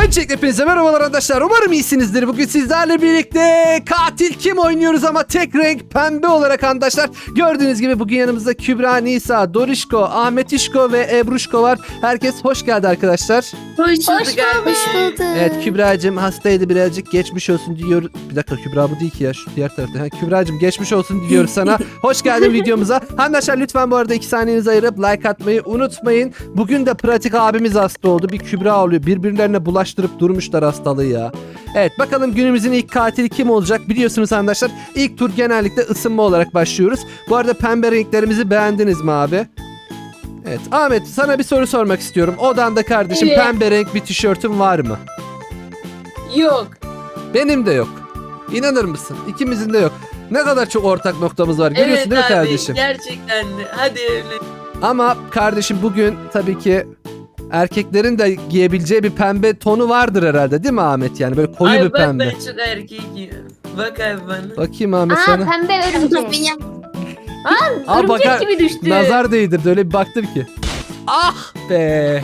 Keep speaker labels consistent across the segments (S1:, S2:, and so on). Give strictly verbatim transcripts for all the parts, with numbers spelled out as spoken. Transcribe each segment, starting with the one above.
S1: Öncelikle hepinize merhabalar arkadaşlar. Umarım iyisinizdir. Bugün sizlerle birlikte katil kim oynuyoruz ama tek renk pembe olarak arkadaşlar. Gördüğünüz gibi bugün yanımızda Kübra, Nisa, Dorişko, Ahmetişko ve Ebruşko var. Herkes hoş geldi arkadaşlar.
S2: Hoş
S3: Hoş
S2: bulduk
S3: bulduk. Hoş bulduk.
S1: Evet Kübra'cığım hastaydı, birazcık geçmiş olsun diyor. Bir dakika, Kübra bu değil ki ya, şu diğer tarafta. Ha, Kübra'cığım geçmiş olsun diyoruz sana. Hoş geldin videomuza. Arkadaşlar lütfen bu arada iki saniyenizi ayırıp like atmayı unutmayın. Bugün de pratik abimiz hasta oldu. Bir Kübra oluyor. Birbirlerine bulaştırıp durmuşlar hastalığı ya. Evet bakalım günümüzün ilk katili kim olacak? Biliyorsunuz arkadaşlar ilk tur genellikle ısınma olarak başlıyoruz. Bu arada pembe renklerimizi beğendiniz mi abi? Evet Ahmet, sana bir soru sormak istiyorum. Odanda kardeşim
S2: Evet.
S1: pembe renk bir tişörtün var mı?
S2: Yok.
S1: Benim de yok. İnanır mısın? İkimizin de yok. Ne kadar çok ortak noktamız var. Görüyorsun
S2: Evet
S1: değil mi
S2: abi,
S1: kardeşim?
S2: gerçekten de. Hadi evlen.
S1: Ama kardeşim bugün tabii ki erkeklerin de giyebileceği bir pembe tonu vardır herhalde değil mi Ahmet? Yani böyle koyu
S2: Ay
S1: bir
S2: bak
S1: pembe.
S2: ben çok erkeğim. Bak abi bana.
S1: Bakayım Ahmet
S3: Aa
S1: sana.
S3: pembe örümcek. Aa
S1: Aa,
S3: örümcek
S1: bakar-
S3: gibi düştü.
S1: Nazar değdirdi, öyle bir baktım ki. Ah be.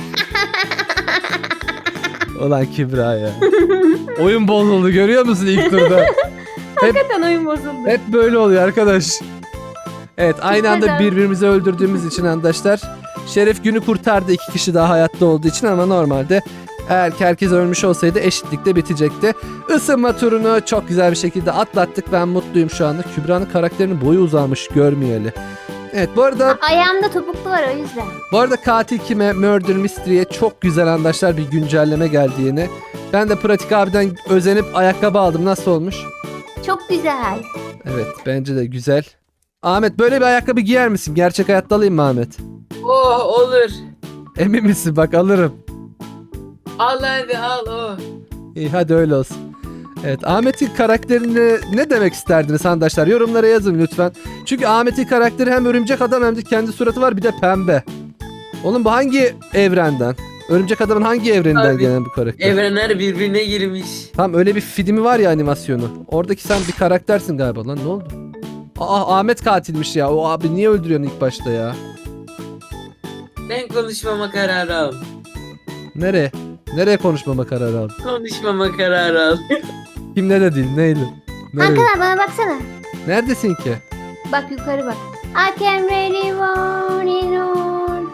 S1: Ulan Kübra ya. Oyun bozuldu, görüyor musun ilk turda?
S3: Hakikaten oyun bozuldu.
S1: Hep böyle oluyor arkadaş. Evet aynı anda
S3: Neden?
S1: birbirimizi öldürdüğümüz için arkadaşlar. Şeref günü kurtardı iki kişi daha hayatta olduğu için, ama normalde eğer ki herkes ölmüş olsaydı eşitlikte bitecekti. Isınma turunu çok güzel bir şekilde atlattık. Ben mutluyum şu anda. Kübra'nın karakterinin boyu uzamış görmeyeli. Evet bu arada
S3: Ayağımda topuklu var o yüzden.
S1: bu arada katil kime, Murder Mystery'e çok güzel arkadaşlar bir güncelleme geldi yeni. Ben de Pratik abiden özenip ayakkabı aldım. Nasıl olmuş?
S3: Çok güzel.
S1: Evet bence de güzel. Ahmet böyle bir ayakkabı giyer misin? Gerçek hayatta alayım mı Ahmet?
S2: Oh olur.
S1: Emin misin? Bak alırım.
S2: Al hadi al oh.
S1: İyi hadi öyle olsun. Evet Ahmet'in karakterini ne demek isterdiniz arkadaşlar? Yorumlara yazın lütfen. Çünkü Ahmet'in karakteri hem örümcek adam hem de kendi suratı var, bir de pembe. Oğlum bu hangi evrenden? Örümcek adamın hangi evreninden
S2: Abi,
S1: gelen bir karakter?
S2: Evrenler birbirine girmiş.
S1: Tam öyle bir filmi var ya, animasyonu. Oradaki sen bir karaktersin galiba lan, ne oldu? Aa Ahmet katilmiş ya. O abi niye öldürüyorsun ilk başta ya?
S2: Ben konuşmama kararı al.
S1: Nereye? Nereye konuşmama kararı aldın?
S2: Konuşmama kararı al.
S1: Kim ne dedi? Neydi? Nereye?
S3: Kankalar bana baksana.
S1: Neredesin ki?
S3: Bak yukarı bak. I can really want it all.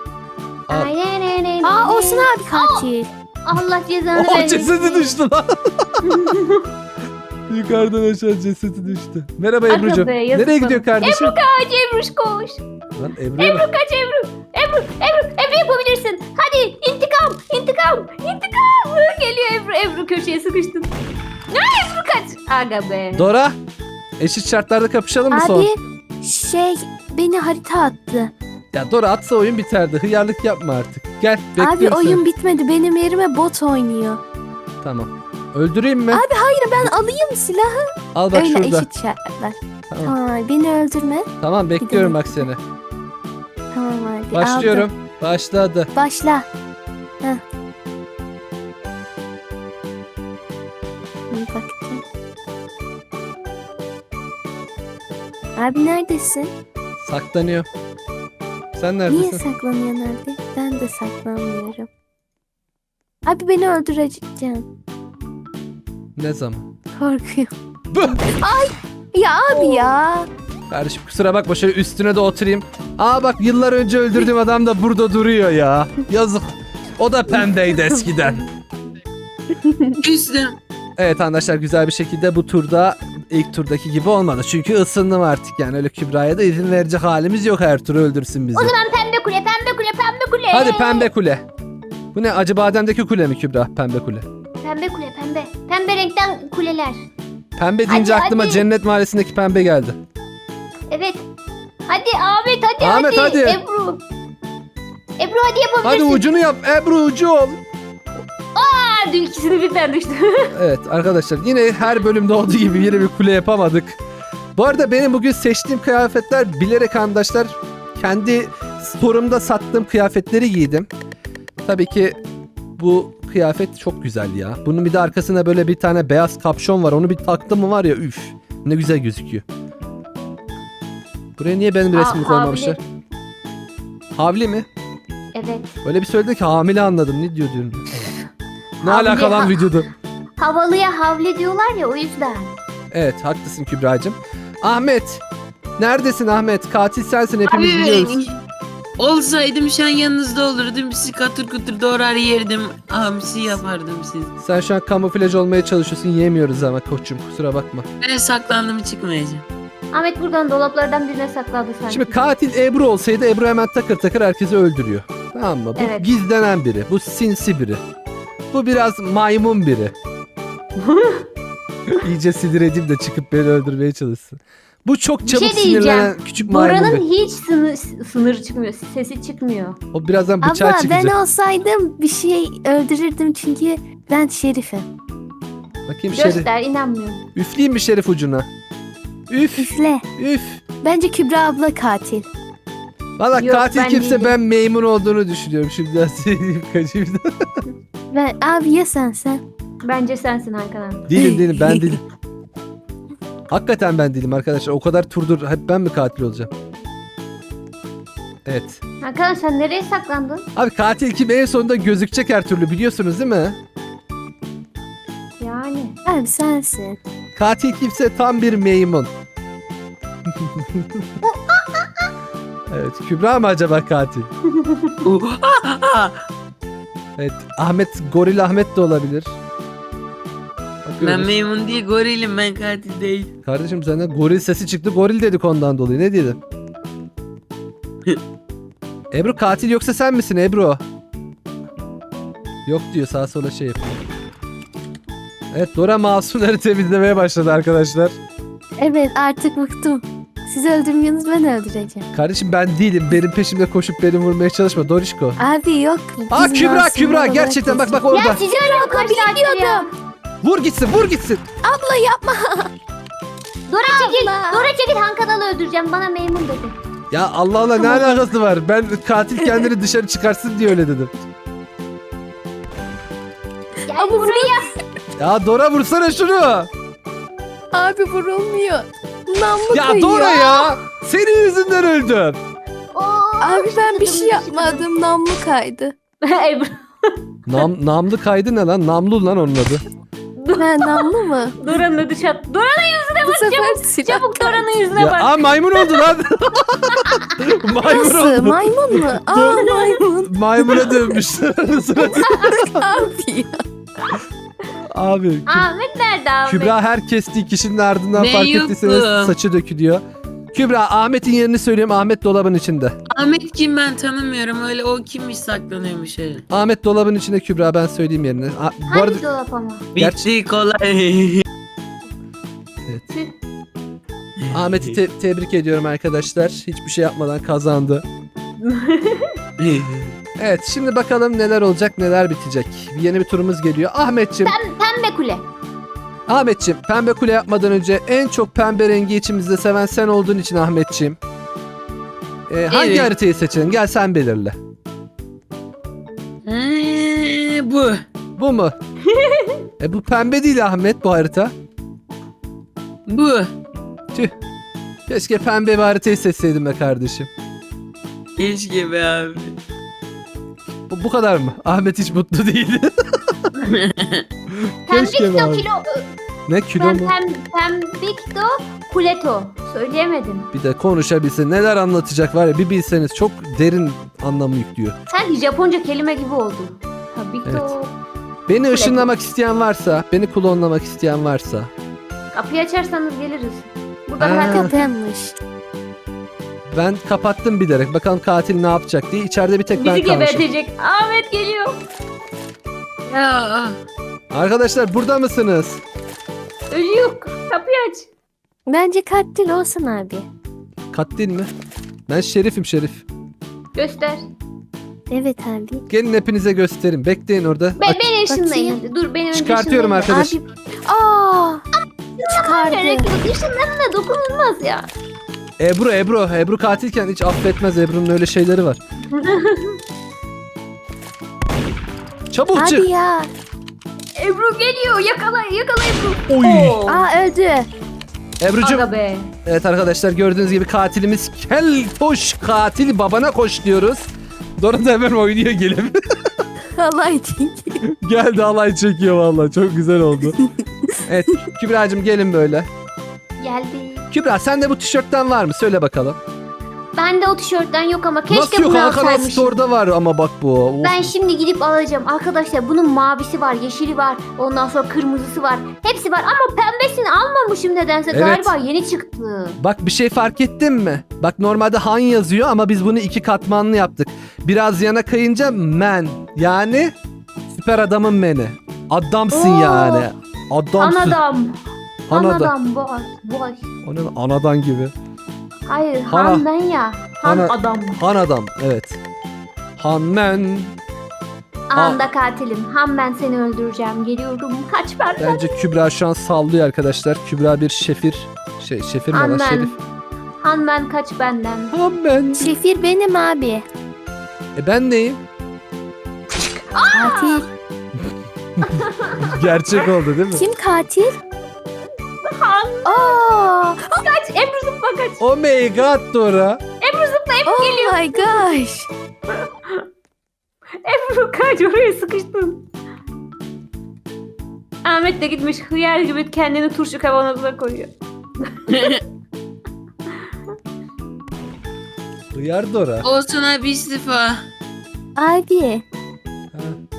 S1: Aa.
S3: Aa Olsun abi katil. Allah cezanı
S1: Oh
S3: versin.
S1: cesedi düştü lan. Yukarıdan aşağı cesedi düştü. Merhaba
S3: Aga
S1: Ebru'cum.
S3: be, yazık
S1: Nereye
S3: bana.
S1: gidiyor kardeşim?
S3: Kaç Ebruş koş.
S1: Lan Ebru'ya
S3: Ebru
S1: bak.
S3: kaç Ebru. Ebru Ebru Ebru yapabilirsin. Hadi intikam intikam intikam. Geliyor Ebru Ebru köşeye sıkıştın. Ne Ebru kaç. Aga be.
S1: Dora. Eşit şartlarda kapışalım mı son?
S4: Abi şey beni harita attı.
S1: Ya Dora atsa oyun biterdi. Hıyarlık yapma artık. Gel bekliyorum
S4: Abi
S1: seni.
S4: oyun bitmedi. Benim yerime bot oynuyor.
S1: Tamam. Öldüreyim mi?
S4: Abi hayır ben alayım silahı.
S1: Al bak
S4: Öyle
S1: şurada.
S4: eşit şartlar.
S1: Tamam.
S4: Tamam abi beni öldürme.
S1: Tamam bekliyorum bak seni.
S4: Tamam abi
S1: Başlıyorum.
S4: aldım.
S1: Başladı.
S4: Başla. Heh. Bir baktım. Abi neredesin?
S1: Saklanıyor. Sen
S4: Niye
S1: neredesin?
S4: saklanıyorsun abi? Ben de saklanmıyorum. Abi beni öldüreceksin.
S1: Ne zaman?
S4: Korkuyorum. Ay ya abi ya.
S1: Kardeşim kusura bakma, şöyle üstüne de oturayım. Aa bak yıllar önce öldürdüğüm adam da burada duruyor ya. Yazık. O da pembeydi eskiden.
S2: Küstüm.
S1: Evet arkadaşlar güzel bir şekilde bu turda ilk turdaki gibi olmadı. Çünkü ısındım artık, yani öyle Kübra'ya da izin verecek halimiz yok, her tur öldürsün bizi.
S3: O zaman pembe kule pembe kule pembe kule.
S1: Hadi pembe kule. Bu ne, Acıbadem'deki kule mi Kübra? Pembe kule.
S3: Pembe kule pembe. Pembe renkten kuleler.
S1: Pembe deyince
S3: Hadi,
S1: aklıma
S3: hadi.
S1: Cennet Mahallesi'ndeki pembe geldi.
S3: Evet. Hadi Ahmet hadi
S1: Ahmet,
S3: hadi.
S1: hadi.
S3: Ebru. Ebru hadi
S1: Hadi
S3: yapabilirsin.
S1: ucunu yap Ebru, ucu ol.
S3: Aa, dün ikisini birden düştü.
S1: Evet arkadaşlar yine her bölümde olduğu gibi yine bir kule yapamadık. Bu arada benim bugün seçtiğim kıyafetler bilerek arkadaşlar kendi storumda sattığım kıyafetleri giydim. Tabii ki bu kıyafet çok güzel ya. Bunun bir de arkasına böyle bir tane beyaz kapşon var. Onu bir taktım mı var ya, üf ne güzel gözüküyor. Buraya niye benim
S3: Aa,
S1: resmimi koymamışlar?
S3: havli.
S1: Havli mi?
S3: Evet.
S1: Öyle bir söyledi ki hamile anladım. Ne diyor diyorum. Ne
S3: Havli-
S1: alaka lan
S3: ha-
S1: videoda?
S3: Havalıya havle diyorlar ya o yüzden.
S1: Evet haklısın Kübra'cığım. Ahmet. Neredesin Ahmet? Katil sensin hepimiz biliyoruz.
S2: Olsaydım şu an yanınızda olurdum. Sizi katır kutur doğrar yerdim. Hamsi yapardım siz.
S1: Sen şu an kamuflaj olmaya çalışıyorsun. Yemiyoruz ama koçum kusura bakma.
S2: Ben saklandım çıkmayacağım.
S3: Ahmet buradan dolaplardan birine sakladı sanki.
S1: Şimdi katil Ebru olsaydı Ebru hemen takır takır herkesi öldürüyor. Tamam mı? Bu
S3: Evet.
S1: gizlenen biri. Bu sinsi biri. Bu biraz maymun biri. İyice sinir edeyim de çıkıp beni öldürmeye çalışsın. Bu çok
S3: Bir
S1: çabuk
S3: şey diyeceğim.
S1: sinirlenen küçük maymun
S3: Bora'nın
S1: biri.
S3: hiç sınır, sınır çıkmıyor. Sesi çıkmıyor.
S1: O birazdan bıçağı
S4: Abla
S1: çıkacak.
S4: ben olsaydım bir şey öldürürdüm çünkü ben şerifim.
S1: Bakayım Şerif.
S3: Göster inanmıyorum.
S1: Üfleyeyim mi Şerif ucuna? Üf.
S4: Üfle.
S1: Üf.
S4: Bence Kübra abla katil.
S1: Valla
S3: Yok,
S1: katil
S3: ben
S1: kimse
S3: değilim.
S1: ben maymun olduğunu düşünüyorum. Şimdiden söyleyeyim kaçayım da.
S4: Ben abi ya sen sen.
S3: Bence sensin Hakan abi.
S1: Değilim değilim ben değilim. Hakikaten ben değilim arkadaşlar. O kadar turdur hep ben mi katil olacağım? Evet.
S3: Hakan sen nereye saklandın?
S1: Abi katil kim en sonunda gözükecek her türlü biliyorsunuz değil mi?
S3: Yani.
S4: Abi sensin.
S1: Katil kimse tam bir maymun. Evet Kübra mı acaba katil? Evet Ahmet Goril Ahmet de olabilir.
S2: Ben
S1: Bakıyoruz.
S2: memnun değil gorilim, ben katil değil.
S1: Kardeşim senden goril sesi çıktı. Goril dedik ondan dolayı. Ne diyelim? Ebru katil yoksa sen misin Ebru? Yok diyor sağa sola şey yapıyor. Evet Dora masumları temizlemeye başladı arkadaşlar.
S4: Evet artık bıktım. Siz öldürmüyorsunuz ben öldüreceğim.
S1: Kardeşim ben değilim. Benim peşimde koşup beni vurmaya çalışma Dorişko.
S4: Abi yok.
S1: Aa
S4: biz
S1: Kübra
S4: masum
S1: Kübra
S4: olarak
S1: gerçekten bak bak
S4: yaşıyoruz.
S1: orada.
S3: Ya sizi arıyor kaç saattir ya.
S1: Vur gitsin vur gitsin.
S4: Abla yapma.
S3: Dora çekil.
S4: Allah.
S3: Dora çekil Hankan'ı öldüreceğim. Bana memnun dedi.
S1: Ya Allah Allah ne alakası var? Ben katil kendini dışarı çıkarsın diye öyle dedim.
S3: Gel
S4: Ama
S3: buraya.
S1: Ya Dora vursana şunu.
S4: Abi vurulmuyor. Namlu
S1: Ya
S4: kayıyor.
S1: Dora ya. Senin yüzünden öldüm.
S3: Oo,
S4: Abi ben bir şey
S3: şıkıdım,
S4: yapmadım. Namlu kaydı.
S3: şıkıdım. Ebru.
S1: Nam, namlı kaydı ne lan? Namlu lan onun adı.
S4: Ben namlu mu?
S3: Dora'nın ödü çat. Dora'nın yüzüne
S4: Bu
S3: bak
S4: sefer
S3: çabuk.
S4: silah
S3: Çabuk
S4: kaydı.
S3: Dora'nın yüzüne
S1: Ya,
S3: bak.
S1: aa maymun oldu lan. maymun
S4: Nasıl?
S1: oldu.
S4: Maymun mu? Aa maymun.
S1: Maymuna dönmüşler.
S4: Abi ya.
S1: Abi Kü-
S3: Ahmet nerede Ahmet?
S1: Kübra her kestiği kişinin ardından
S2: Ne
S1: fark
S2: yok
S1: ettiyseniz
S2: bu?
S1: saçı dökülüyor. Kübra Ahmet'in yerini söylüyorum. Ahmet dolabın içinde.
S2: Ahmet kim, ben tanımıyorum, öyle o kimmiş saklanıyormuş öyle.
S1: Ahmet dolabın içinde Kübra ben söyleyeyim yerini. A- bu
S3: Hangi
S1: arada
S3: dolap ama?
S2: Bitti kolay.
S1: evet. Ahmet'i te- tebrik ediyorum arkadaşlar. Hiçbir şey yapmadan kazandı. Evet şimdi bakalım neler olacak neler bitecek. Yeni bir turumuz geliyor. Ahmetçim,
S3: Pembe kule.
S1: Ahmetçim pembe kule yapmadan önce en çok pembe rengi içimizde seven sen olduğun için Ahmetçim. Ee, hangi
S2: Evet.
S1: haritayı seçelim? Gel sen belirle.
S2: Ee, bu.
S1: Bu mu? e bu pembe değil Ahmet bu harita.
S2: Bu.
S1: Tüh. Keşke pembe bir haritayı seçseydim be kardeşim.
S2: Keşke be abi.
S1: Bu, bu kadar mı? Ahmet hiç mutlu değil.
S3: Pembik
S1: Keşke be
S3: do
S1: abi.
S3: kilo.
S1: Ne kilo
S3: Pem,
S1: mu?
S3: pem, pembik do kuleto. Söyleyemedim.
S1: Bir de konuşabilse neler anlatacak var ya bir bilseniz çok derin anlamı yüklüyor.
S3: Sanki Japonca kelime gibi oldu. Pembik do.
S1: Evet. Beni ışınlamak isteyen varsa, beni klonlamak isteyen varsa.
S3: Kapıyı açarsanız geliriz. Burada
S1: Ha.
S3: bırak.
S4: Kapatmış.
S1: Ben kapattım bilerek. Bakalım katil ne yapacak diye. İçeride bir tek ben
S3: Bizi
S1: kalmışım.
S3: gebertecek. Ahmet geliyor.
S2: Ya.
S1: Arkadaşlar burada mısınız?
S3: Ölüyor. Kapıyı aç.
S4: Bence katil olsun abi.
S1: Katil mi? Ben şerifim şerif.
S3: Göster.
S4: Evet abi.
S1: Gelin hepinize göstereyim. Bekleyin orada.
S3: Be
S1: Aç-
S3: beni ışınlayın.
S4: Bakayım.
S3: hadi. Dur beni önce
S1: Çıkartıyorum
S3: ışınlayın.
S1: arkadaş.
S4: Abi. Aa. Çıkardı.
S3: Gerek yok. Işınlanına dokunulmaz ya.
S1: Ebru Ebru. Ebru katilken hiç affetmez. Ebru'nun öyle şeyleri var. Çabuk
S4: Abi
S1: çık.
S4: ya.
S3: Ebru geliyor. Yakala yakala Ebru.
S1: Oy.
S3: Oo.
S4: Aa öldü.
S1: Ebru'cum.
S3: Aga be.
S1: Evet arkadaşlar gördüğünüz gibi katilimiz Kel koş katil babana koş diyoruz. Dora da hemen oynuyor gelip.
S4: Halay çekiyor.
S1: Geldi alay çekiyor vallahi. Çok güzel oldu. Evet Kübra'cığım gelin böyle.
S3: Geldi.
S1: Kübra sende bu tişörtten var mı? Söyle bakalım.
S3: Bende o tişörtten yok ama keşke
S1: Nasıl yok?
S3: bunu
S1: Hakan
S3: alsaymışım.
S1: Store'da var ama bak bu. Of.
S3: Ben şimdi gidip alacağım. Arkadaşlar bunun mavisi var, yeşili var. Ondan sonra kırmızısı var. Hepsi var ama pembesini almamışım nedense.
S1: Evet.
S3: Galiba yeni çıktı.
S1: Bak bir şey fark ettin mi? Bak normalde Han yazıyor ama biz bunu iki katmanlı yaptık. Biraz yana kayınca men. Yani süper adamın meni. Adamsın
S3: Oo.
S1: yani. Adamsın.
S3: Anadam.
S1: Anada.
S3: Anadam boş. Boş.
S1: O ne? Anadan gibi.
S3: Hayır
S1: Hana.
S3: han ben ya. Han
S1: Hana.
S3: adam.
S1: Han adam evet. Han men.
S3: Anda katilim. Han ben seni öldüreceğim. Geliyorum. Kaç benden.
S1: Bence Kübra şu an sallıyor arkadaşlar. Kübra bir şefir. Şey şefir mi lan
S3: Han ben.
S1: şerif?
S3: Han ben kaç benden.
S1: Han ben.
S4: Şefir benim abi.
S1: E ben neyim?
S4: Katil.
S1: Gerçek oldu değil mi?
S4: Kim katil?
S3: Han.
S4: Aa,
S3: Kaç. Ebru zıpla kaç.
S1: Oh my god Dora.
S3: Ebru zıpla. Ebru
S4: oh
S3: geliyor.
S4: my gosh.
S3: Ebru kaç. Oraya sıkıştın. Ahmet de gitmiş hıyar gibi kendini turşu kavanozuna koyuyor.
S1: Hıyar Dora.
S2: Olsun abi istifa.
S4: Abi
S1: Ha.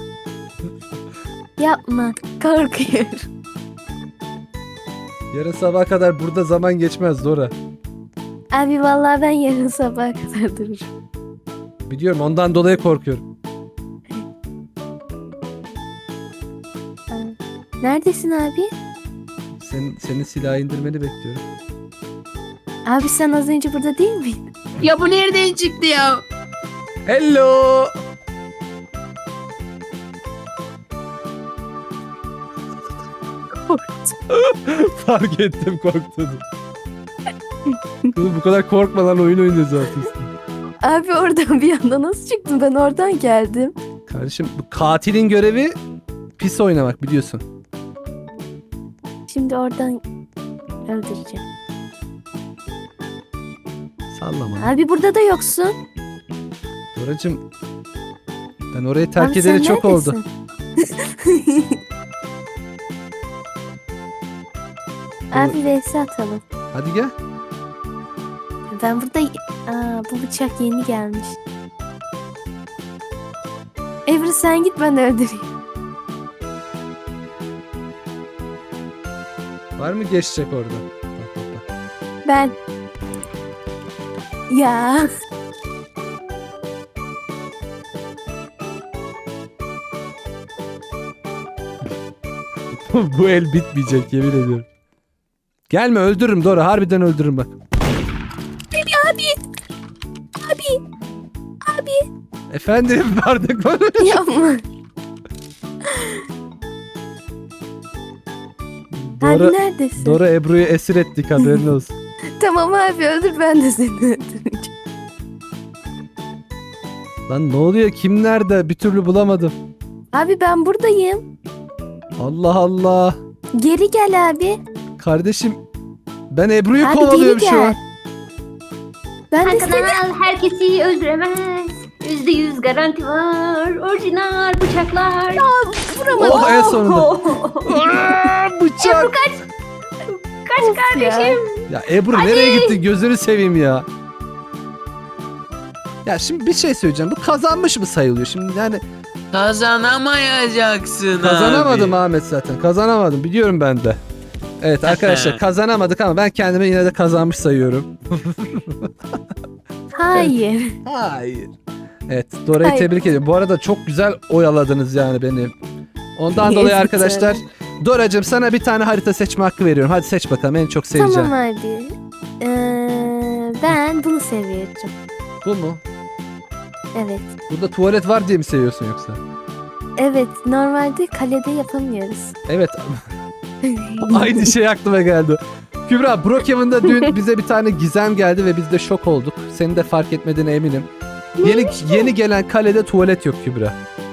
S4: yapma. Korkuyorum.
S1: Yarın sabah kadar burada zaman geçmez Dora.
S4: Abi vallahi ben yarın sabaha kadar dururum.
S1: Biliyorum ondan dolayı korkuyorum.
S4: Neredesin abi?
S1: Senin, senin silahı indirmeni bekliyorum.
S4: Abi sen az önce burada değil miydin?
S2: Ya bu nereden çıktı ya?
S1: Hello. Fark ettim korktuğunu. Kızım bu kadar korkma lan oyun oynuyoruz zaten.
S4: Abi oradan bir anda nasıl çıktın? Ben oradan geldim.
S1: Kardeşim bu katilin görevi pis oynamak biliyorsun.
S4: Şimdi oradan öldüreceğim.
S1: Sallama.
S4: Abi burada da yoksun.
S1: Doracığım ben orayı terk
S4: Abi
S1: edeli
S4: sen
S1: çok oldu.
S4: neredesin? Abi vs atalım.
S1: Hadi gel.
S4: Ben burada... Aa, bu bıçak yeni gelmiş. Ebru sen git ben öldüreyim.
S1: Var mı geçecek orada? Bak, bak, bak.
S4: Ben. Ya.
S1: Bu el bitmeyecek yemin ediyorum. Gelme öldürürüm Dora harbiden öldürürüm bak.
S4: Abi. Abi. Abi.
S1: Efendim bardak konuş.
S4: Yapma.
S1: Dora,
S4: Abi neredesin?
S1: Dora Ebru'yu esir ettik haberin olsun.
S4: Tamam abi öldür ben de seni öldüreceğim.
S1: Lan ne oluyor kim nerede bir türlü bulamadım.
S4: Abi ben buradayım.
S1: Allah Allah.
S4: Geri gel abi.
S1: Kardeşim ben Ebru'yu
S4: Abi geri
S1: kovalıyorum şu an.
S4: gel. Ben de
S3: Hakan
S4: seni...
S3: Aral herkesi öldüremez. Yüzde yüz garanti var. Orijinal bıçaklar.
S4: Vuramadım.
S1: Oh en sonunda.
S3: Oh.
S1: Aa, bıçak.
S3: Ebru kaç. Kaç
S4: Of ya.
S3: kardeşim.
S1: Ya Ebru nereye gittin gözünü seveyim ya. Ya şimdi bir şey söyleyeceğim. Bu kazanmış mı sayılıyor? Şimdi yani
S2: Kazanamayacaksın
S1: kazanamadım
S2: abi.
S1: Ahmet zaten. Kazanamadım biliyorum ben de. Evet arkadaşlar kazanamadık ama ben kendimi yine de kazanmış sayıyorum.
S4: Hayır.
S1: Hayır. Evet Dora'yı
S4: Hayır.
S1: tebrik ediyorum. Bu arada çok güzel oyaladınız yani beni. Ondan
S4: Evet,
S1: dolayı arkadaşlar
S4: öyle.
S1: Dora'cığım sana bir tane harita seçme hakkı veriyorum. Hadi seç bakalım en çok seveceğim.
S4: Tamam abi. Ee, ben bunu seviyorum.
S1: Bu mu?
S4: Evet.
S1: Burada tuvalet var diye mi seviyorsun yoksa?
S4: Evet. Normalde kalede yapamıyoruz.
S1: Evet. Aynı şey aklıma geldi. Kübra Brookhaven'da dün bize bir tane gizem geldi ve biz de şok olduk. Senin de fark etmediğine eminim. Yeni yeni gelen kalede tuvalet yok Kübra.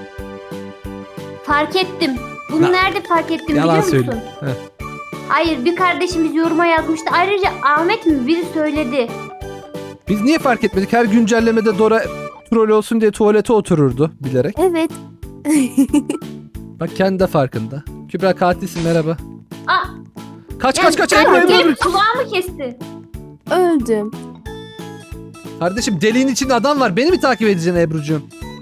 S3: Fark ettim. Bunu
S1: Na-
S3: nerede fark ettim
S1: Yalan
S3: biliyor musun?
S1: söyle. Heh.
S3: Hayır bir kardeşimiz yoruma yazmıştı. Ayrıca Ahmet mi biri söyledi.
S1: Biz niye fark etmedik? Her güncellemede Dora troll olsun diye tuvalete otururdu bilerek.
S4: Evet.
S1: Bak kendi de farkında. Kübra katilsin, merhaba.
S3: Aa,
S1: Kaç
S3: yani
S1: kaç kaç
S3: sen
S1: Ebru Ebru,
S3: gelip
S1: Ebru.
S3: kulağımı kesti.
S4: Öldüm.
S1: Kardeşim deliğin içinde adam var. Beni mi takip edeceksin Ebru'cuğum?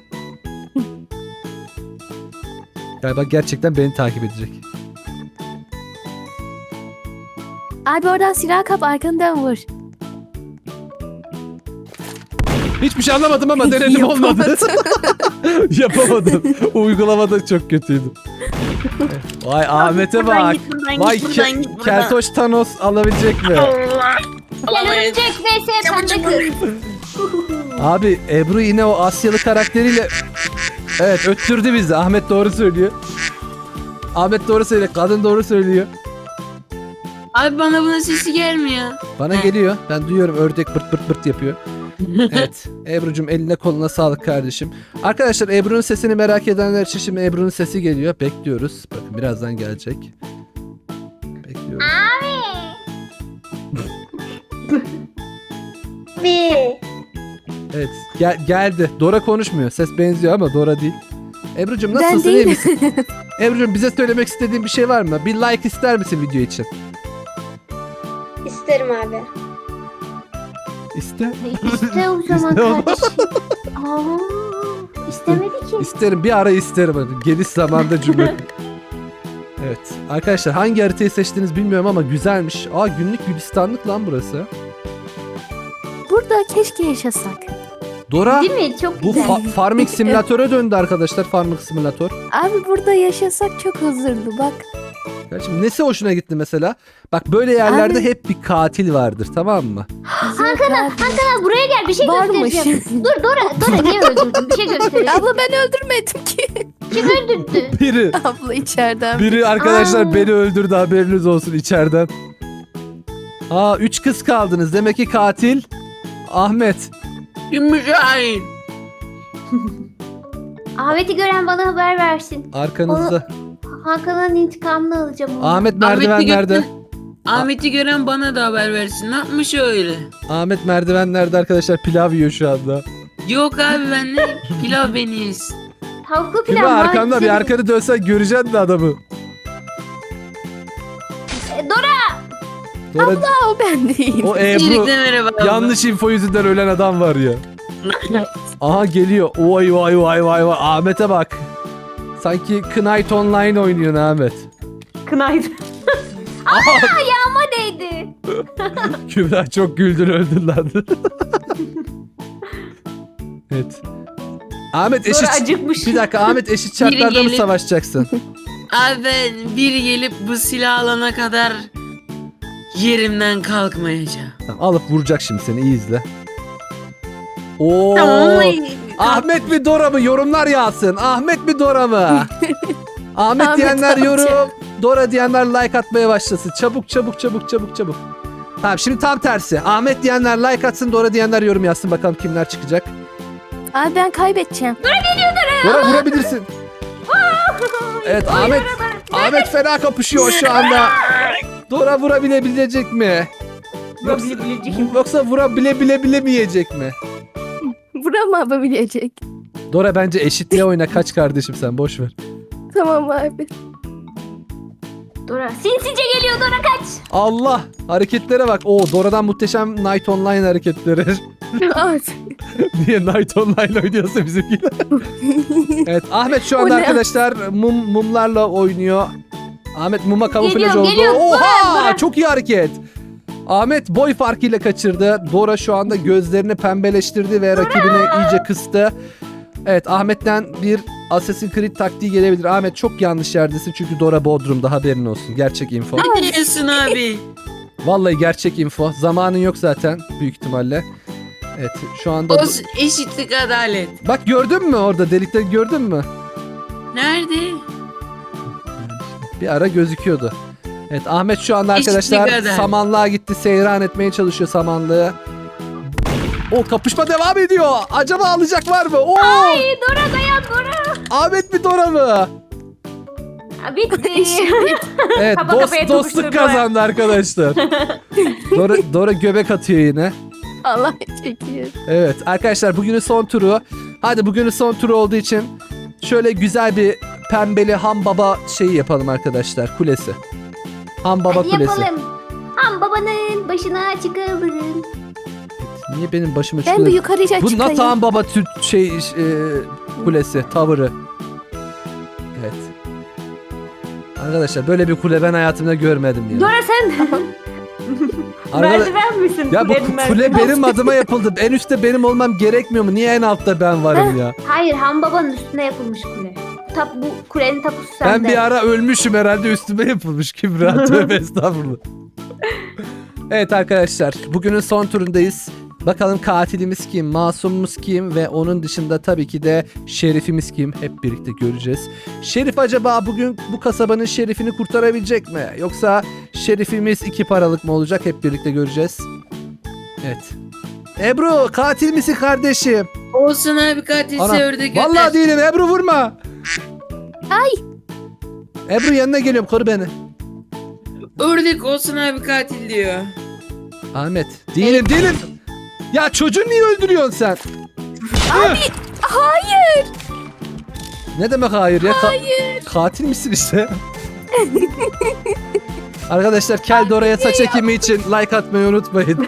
S1: Galiba gerçekten beni takip edecek.
S4: Abi oradan silah kap arkandan vur.
S1: Hiçbir şey anlamadım ama denedim, olmadı. Yapamadım. Uygulamada çok kötüydüm. Vay Ahmet'e
S2: Buradan
S1: bak.
S2: git, buradan
S1: Vay
S2: git, buradan
S1: ke-
S2: git, buradan.
S1: Keltoş Thanos alabilecek mi?
S2: Allah.
S3: Gel
S2: Alamayız.
S3: ölecek vs pembe kız.
S1: Abi Ebru yine o Asyalı karakteriyle evet öttürdü bizi. Ahmet doğru söylüyor. Ahmet doğru söylüyor. Kadın doğru söylüyor.
S2: Abi bana bunun sesi gelmiyor.
S1: Bana
S2: He.
S1: geliyor. Ben duyuyorum, ördek bırt bırt bırt yapıyor. Evet. Ebru'cum eline koluna sağlık kardeşim. Arkadaşlar Ebru'nun sesini merak edenler için şimdi Ebru'nun sesi geliyor. Bekliyoruz. Bakın birazdan gelecek. Bekliyoruz.
S3: Bir.
S1: Evet. Gel geldi. Dora konuşmuyor. Ses benziyor ama Dora değil. Ebru'cum
S4: Ben
S1: nasılsın? İyi
S4: değilim.
S1: misin? Ebru'cum bize söylemek istediğin bir şey var mı? Bir like ister misin video için?
S5: İsterim abi.
S1: İste.
S3: İşte o zaman
S1: İşte o.
S3: kardeşim. Aa, istemedi ki.
S1: İsterim. Bir ara isterim. Hadi. Geniş zamanda cümle. Evet. Arkadaşlar hangi haritayı seçtiniz bilmiyorum ama güzelmiş. Aa günlük gülistanlık lan burası.
S4: Burada keşke yaşasak.
S1: Dora
S3: Değil mi? Çok
S1: bu
S3: güzel.
S1: fa- farming simülatöre döndü arkadaşlar. Farming simülatör.
S4: Abi burada yaşasak çok huzurlu bak.
S1: Kardeşim nesi hoşuna gitti mesela? Bak böyle yerlerde
S4: Abi-
S1: hep bir katil vardır, tamam mı?
S4: Hakan abi.
S3: Hakan buraya gel bir şey
S4: Varmış.
S3: göstereceğim. Dur Dora, Dora niye öldürdün? Bir şey göstereceğim.
S4: Abla ben öldürmedim ki.
S3: Kim öldürdü?
S1: Biri
S4: Abla içeriden.
S1: biri arkadaşlar
S3: Aa.
S1: beni öldürdü, haberiniz olsun içeriden. Aa üç kız kaldınız. Demek ki katil Ahmet.
S2: Kimmiş hain?
S3: Ahmet'i gören bana haber versin.
S1: Arkanızda.
S3: Hakan'ın intikamını alacağım onu.
S1: Ahmet
S2: Ahmet'i
S1: merdivenlerde.
S2: gören- Ahmet'i gören bana da haber versin. Ne yapmış öyle?
S1: Ahmet merdivenlerde arkadaşlar pilav yiyor şu anda.
S2: Yok abi ben ne? Pilav beni yesin.
S3: Tavuklu pilav.
S1: Kübra
S3: var,
S1: arkanda bir
S3: güzel.
S1: arkanı dönsen göreceksin de adamı.
S3: E, Dora.
S1: Dora,
S4: O ben değilim.
S1: o Ebru
S2: İyilikle merhaba abla.
S1: yanlış info yüzünden ölen adam var ya. Aha geliyor. Vay vay vay vay vay. Ahmet'e bak. Sanki Knight Online oynuyor Ahmet.
S3: Kınaydı. Aa ayağıma değdi.
S1: Kübra çok güldün öldün lan. Evet. Ahmet eşit...
S3: Dora acıkmış.
S1: Bir dakika Ahmet eşit şartlarda mı
S2: gelip-
S1: savaşacaksın?
S2: Abi ben bir gelip bu silah alana kadar yerimden kalkmayacağım.
S1: Tamam, alıp vuracak şimdi seni, iyi izle. Oo.
S2: Tamam.
S1: Ahmet mi Dora mı? Yorumlar yağsın. Ahmet mi Dora mı? Ahmet
S4: Ahmet
S1: diyenler
S4: amca.
S1: yorum. Dora diyenler like atmaya başlasın. Çabuk çabuk çabuk çabuk çabuk. Tamam şimdi tam tersi. Ahmet diyenler like atsın. Dora diyenler yorum yazsın. Bakalım kimler çıkacak.
S4: Abi ben kaybedeceğim.
S1: Dora vurabilirsin. Evet Ahmet. Ahmet fena kapışıyor şu anda. Dora vurabilebilecek mi? Yoksa, yoksa vurabile bile bilemeyecek mi?
S4: Vuramayabilecek.
S1: Dora bence eşitliğe oyna, kaç kardeşim sen, boş ver.
S4: Tamam abi.
S3: Dora sinsice geliyor Dora kaç.
S1: Allah, hareketlere bak. Oo Dora'dan muhteşem Night Online hareketleri.
S4: Evet.
S1: Niye Night Online oynuyorsa bizimkiler. Evet Ahmet şu anda
S4: O ne?
S1: arkadaşlar mum mumlarla oynuyor. Ahmet muma kamuflaj
S3: Geliyorum,
S1: oldu.
S3: geliyorum.
S1: Oha
S3: Dora, Dora.
S1: çok iyi hareket. Ahmet boy farkıyla kaçırdı. Dora şu anda gözlerini pembeleştirdi ve rakibini iyice kıstı. Evet Ahmet'ten bir Assassin's Creed taktiği gelebilir. Ahmet çok yanlış yerdesin çünkü Dora Bodrum'da, haberin olsun. Gerçek info.
S2: Ne diyorsun abi?
S1: Vallahi gerçek info. Zamanın yok zaten büyük ihtimalle. Evet şu anda...
S2: Olsun, eşitlik adalet.
S1: Bak gördün mü orada delikleri, gördün mü?
S2: Nerede?
S1: Bir ara gözüküyordu. Evet Ahmet şu anda
S2: Eşitlik
S1: arkadaşlar
S2: adalet.
S1: samanlığa gitti. Seyran etmeye çalışıyor samanlığı. O kapışma devam ediyor. Acaba alacak var mı? Oo!
S3: Ay Dora dayan Dora.
S1: Ahmet mi Dora mı?
S3: Ha, bitti.
S1: Evet
S3: Kafa
S1: dost,
S3: kafaya
S1: dostluk
S3: tokuşturdu.
S1: kazandı arkadaşlar. Dora, Dora göbek atıyor yine.
S4: Allah çekiyor.
S1: Evet arkadaşlar bugünün son turu. Hadi bugünün son turu olduğu için şöyle güzel bir pembeli ham baba şeyi yapalım arkadaşlar. Kulesi. Ham baba
S3: Hadi
S1: kulesi.
S3: yapalım. Ham babanın başına çıkalım.
S1: Niye benim başıma
S4: Ben
S1: çıkıyor?
S4: bir yukarıya
S1: Bu
S4: çıkayım.
S1: nasıl ham baba tür şey e, kulesi, tavırı. Evet. Arkadaşlar böyle bir kule ben hayatımda görmedim ya.
S3: Dora sen
S1: Arkada-
S3: merdiven misin?
S1: Ya bu
S3: Kulenin
S1: kule
S3: merdiven.
S1: benim adıma yapıldı. En üstte benim olmam gerekmiyor mu? Niye en altta ben varım ya?
S3: Hayır, ham babanın üstüne yapılmış kule. Tap, bu kulenin tapusu sende.
S1: Ben bir ara ölmüşüm herhalde, üstüme yapılmış Kübra. Tövbe estağfurullah. Evet arkadaşlar, bugünün son turundayız. Bakalım katilimiz kim, masumumuz kim ve onun dışında tabii ki de şerifimiz kim, hep birlikte göreceğiz. Şerif acaba bugün bu kasabanın şerifini kurtarabilecek mi? Yoksa şerifimiz iki paralık mı olacak, hep birlikte göreceğiz. Evet. Ebru, katil misin kardeşim?
S2: Olsun abi, katilse
S1: Ana,
S2: ördek öter.
S1: vallahi değilim Ebru, vurma.
S4: Ay.
S1: Ebru yanına geliyorum, koru beni.
S2: Ördek olsun abi, katil diyor.
S1: Ahmet, değilim değilim. Ya çocuğu niye öldürüyorsun sen?
S4: Abi hayır.
S1: Ne demek hayır ya? Hayır. katil misin işte? Arkadaşlar Kel Dora'ya saç ekimi için like atmayı unutmayın.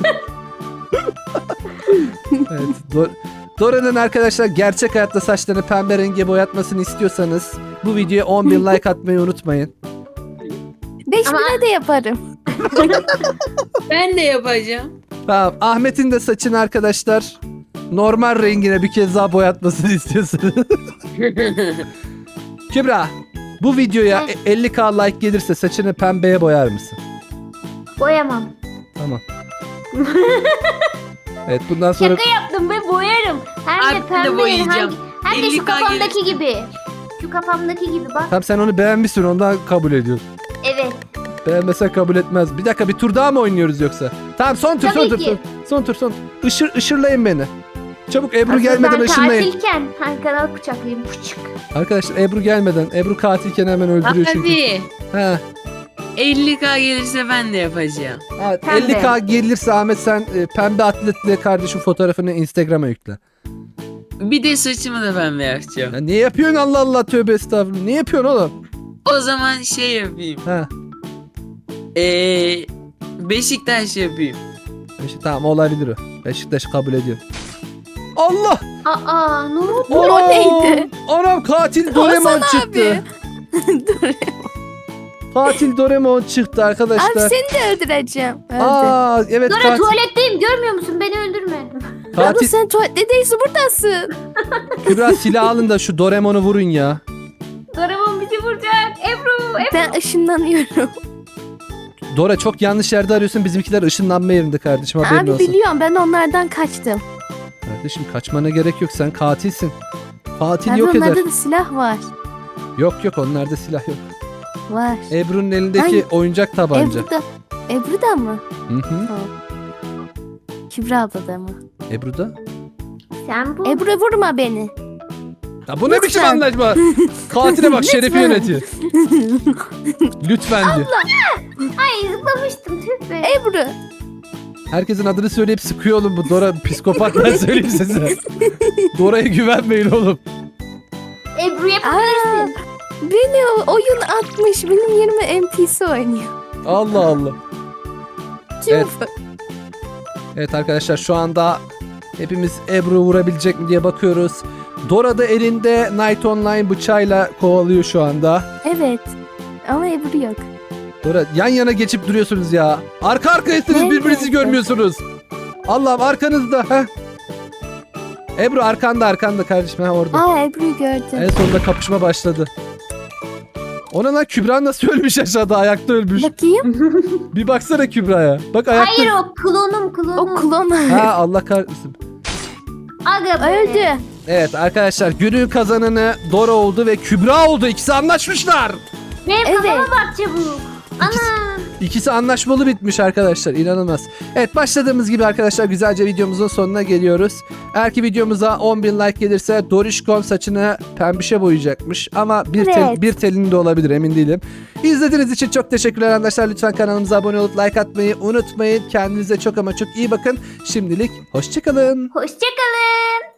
S1: Evet, Dor- Dora'nın arkadaşlar gerçek hayatta saçlarını pembe renge boyatmasını istiyorsanız bu videoya on bin like atmayı unutmayın.
S4: Beş
S3: Ama-
S4: bine de yaparım.
S2: Ben de yapacağım.
S1: Tamam, Ahmet'in de saçını arkadaşlar normal rengine bir kez daha boyatmasını istiyorsanız. Kübra, bu videoya
S3: Heh.
S1: elli bin like gelirse saçını pembeye boyar mısın?
S3: Boyamam.
S1: Tamam. Evet, bundan sonra
S3: Şaka yaptım ve boyarım. Hem de
S2: Abi ben de
S3: pembe.
S2: boyayacağım.
S3: Hem, hem de
S2: elli
S3: şu
S2: K
S3: kafamdaki gibi. Şu kafamdaki gibi bak.
S1: tam sen onu beğenmişsin, ondan kabul ediyorsun.
S3: Evet.
S1: Beğenmesen kabul etmez. Bir dakika, bir tur daha mı oynuyoruz yoksa? Tamam, son tur,
S3: Tabii
S1: son tur,
S3: ki.
S1: son, son tur, son. Işır, ışırlayın beni. Çabuk Ebru
S3: Asıl
S1: gelmeden
S3: ben
S1: ışınlayın.
S3: katilken arkadan bıçaklayayım. Pıçık.
S1: Arkadaşlar Ebru gelmeden. Ebru katilken hemen öldürüyor çünkü.
S2: Abi
S1: He.
S2: elli K gelirse ben de yapacağım.
S1: Evet,
S3: Pembe.
S1: elli bin gelirse Ahmet sen e, pembe atletle kardeşim fotoğrafını Instagram'a yükle.
S2: Bir de saçımı da pembe yapacağım.
S1: Ya niye yapıyorsun, Allah Allah, tövbe estağfurullah. Niye yapıyorsun oğlum?
S2: O zaman şey yapayım.
S1: He.
S2: Eee Beşiktaş yapayım.
S1: İşte, tamam, olabilir o. Beşiktaş kabul ediyor. Allah!
S3: Aa, ne oldu?
S4: O
S1: Anam!
S4: neydi?
S1: Anam, katil Doraemon çıktı.
S4: Dur.
S1: Katil Doraemon çıktı
S4: Abi
S1: arkadaşlar.
S4: seni de öldüreceğim. Öldü.
S1: Aa evet,
S3: Dora
S1: katil.
S3: tuvaletteyim, görmüyor musun? Beni öldürme.
S4: Abla
S1: Katil
S4: sen tuvalette değilsin, buradasın.
S1: Kübra, silah alın da şu Doraemon'u vurun ya.
S3: Doraemon bizi vuracak. Ebru, Ebru.
S4: Ben ışınlanıyorum.
S1: Dora, çok yanlış yerde arıyorsun. Bizimkiler ışınlanma yerinde kardeşim, haberin
S4: Abi
S1: olsun.
S4: biliyorum, ben onlardan kaçtım.
S1: Kardeşim kaçmana gerek yok, sen katilsin. Katil
S4: Ben
S1: yok eder.
S4: onlarda da silah var.
S1: Yok yok, onlarda silah yok.
S4: Var.
S1: Ebru'nun elindeki
S4: Ay,
S1: oyuncak tabanca.
S4: Ebru da. Ebru da mı?
S1: Hı hı.
S4: Kübra abla da mı?
S1: Ebru da.
S3: Sen bu.
S4: Ebru vurma beni.
S1: Ya bu ne
S4: Lütfen.
S1: biçim anlaşma? Katile bak, şerefi
S4: Lütfen.
S1: yönetiyor. Lütfen diyor.
S3: Ay, zıplamıştım. Tüh be.
S4: Ebru.
S1: Herkesin adını söyleyip sıkıyor oğlum bu Dora, psikopat, ben söyleyeyim size. Dora'ya güvenmeyin oğlum.
S3: Ebru yapabilirsin.
S4: Beni o- oyun atmış. Benim yerime N P C oynuyor.
S1: Allah Allah.
S4: Kim
S1: Evet.
S4: bu?
S1: Evet arkadaşlar, şu anda hepimiz Ebru vurabilecek mi diye bakıyoruz. Dora da elinde Night Online bıçağıyla kovalıyor şu anda.
S4: Evet. Ama Ebru yok.
S1: Dora, yan yana geçip duruyorsunuz ya. Arka arkayasınız,
S4: Evet,
S1: birbirinizi
S4: evet.
S1: görmüyorsunuz. Allah'ım, arkanızda. Heh. Ebru arkanda, arkanda kardeşim, ha orada.
S4: Aa, Ebru'yu gördüm.
S1: En sonunda kapışma başladı. Ona lan, Kübra nasıl ölmüş aşağıda, ayakta ölmüş.
S4: Bakayım.
S1: Bir baksana Kübra'ya. Bak ayakta.
S3: Hayır, o klonum klonum.
S4: O klon.
S1: Ha, Allah kahretsin.
S3: Aga be.
S4: Öldü.
S1: Evet arkadaşlar, günün kazananı Dora oldu ve Kübra oldu. İkisi anlaşmışlar.
S3: Benim
S4: Evet.
S3: kafama bak çabuk. Ana.
S1: İkisi anlaşmalı bitmiş arkadaşlar. İnanılmaz. Evet, başladığımız gibi arkadaşlar güzelce videomuzun sonuna geliyoruz. Eğer ki videomuza on bin like gelirse Dorişkon saçını pembişe boyayacakmış. Ama bir, tel,
S4: Evet.
S1: bir telini de olabilir, emin değilim. İzlediğiniz için çok teşekkürler arkadaşlar. Lütfen kanalımıza abone olup like atmayı unutmayın. Kendinize çok ama çok iyi bakın. Şimdilik hoşçakalın.
S3: Hoşçakalın.